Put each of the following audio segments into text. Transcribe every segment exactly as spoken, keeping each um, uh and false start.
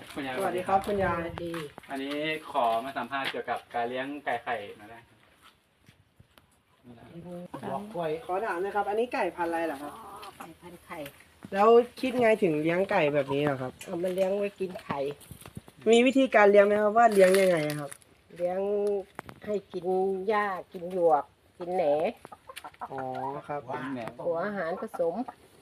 คุณยายสวัสดีครับคุณยายดีอันนี้ขอมาสัมภาษณ์เกี่ยวกับการเลี้ยงไก่ไข่มาได้ครับบอกกล้วยขอถามนะครับ อันนี้ไก่พันธุ์อะไรเหรอครับไก่พันไข่แล้วคิดไงถึงเลี้ยงไก่แบบนี้เหรอครับเอามาเลี้ยงไว้กินไข่มีวิธีการเลี้ยงไหมครับว่าเลี้ยงยังไงครับเลี้ยงให้กินหญ้ากินหยวก กินแหนอ๋อครับแหนมหัวอาหารผสม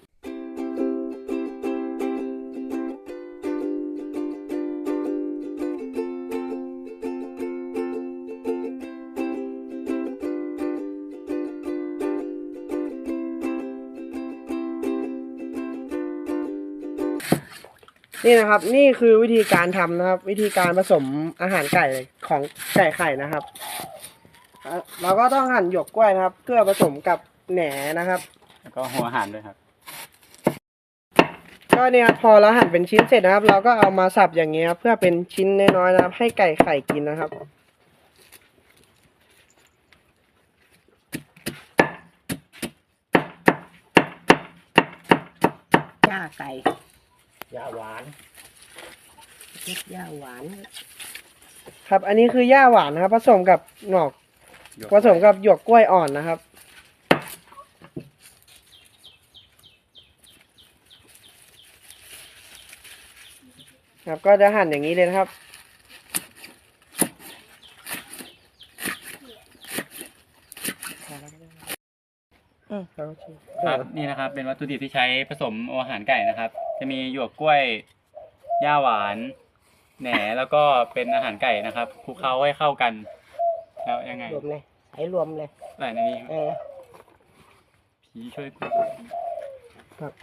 นี่นะครับ นี่คือวิธีการทำนะครับ วิธีการผสมอาหารไก่ของไก่ไข่นะครับเราก็ต้องหั่นหยวกกล้วยนะครับ เพื่อผสมกับแหนนะครับแล้วก็หัวอาหารด้วยครับก็เนี่ยครับพอเราหั่นเป็นชิ้นเสร็จนะครับ เราก็เอามาสับอย่างเงี้ยครับเพื่อเป็นชิ้นน้อยๆนะครับ ให้ไก่ไข่กินนะครับหญ้าไก่ยาหวานเล็ดหญ้าหวานครับ อันนี้คือหญ้าหวานนะครับ ผสมกับหนอกผสมกับหยวกกล้วยอ่อนนะครับ ครับก็จะหั่นอย่างนี้เลยนะครับอืมแล้วก็ชิมครับนี่นะครับเป็นวัตถุดิบที่ใช้ผสมอาหารไก่นะครับ จะมีหยวกกล้วยหญ้าหวานแหนแล้วก็เป็นอาหารไก่นะครับคลุกเคล้าให้เข้ากันแล้วยังไงรวมเลยใส่รวมเลยใส่ในนี้เออผีช่วยกูครับ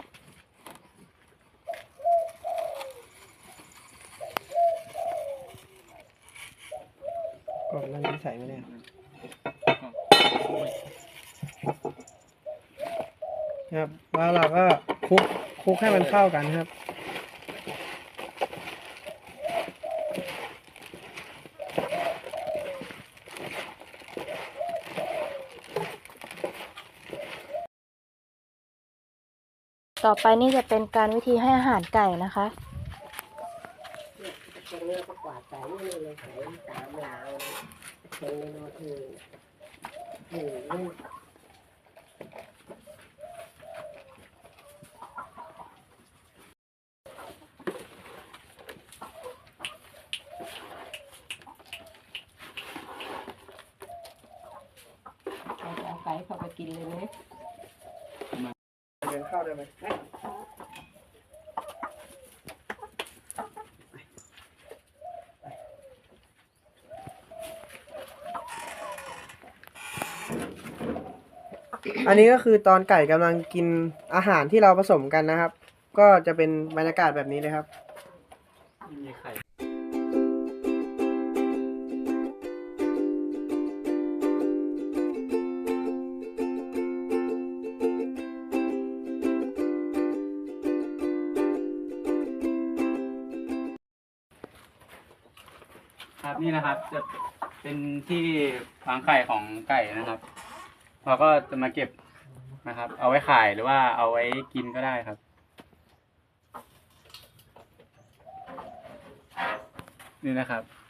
กล่องนั้นใส่ไม่ได้ครับแล้วเราก็คลุกคลุกให้มันเข้ากันครับต่อไปนี่จะเป็นการวิธีให้อาหารไก่นะคะตรงนี้ก็กวาดใส่นี่เลยใส่ตามลาวตรงนี้โน้ตนี่นี่นี่เอาไก่เข้าไปกินเลยไหมเดินเข้าได้ไหมอันนี้ก็คือตอนไก่กำลังกินอาหารที่เราผสมกันนะครับ ก็จะเป็นบรรยากาศแบบนี้เลยครับมีไข่ ครับนี่นะครับจะเป็นที่วางไข่ของไก่นะครับเราก็จะมาเก็บนะครับ เอาไว้ขายหรือว่าเอาไว้กินก็ได้ครับ นี่นะครับ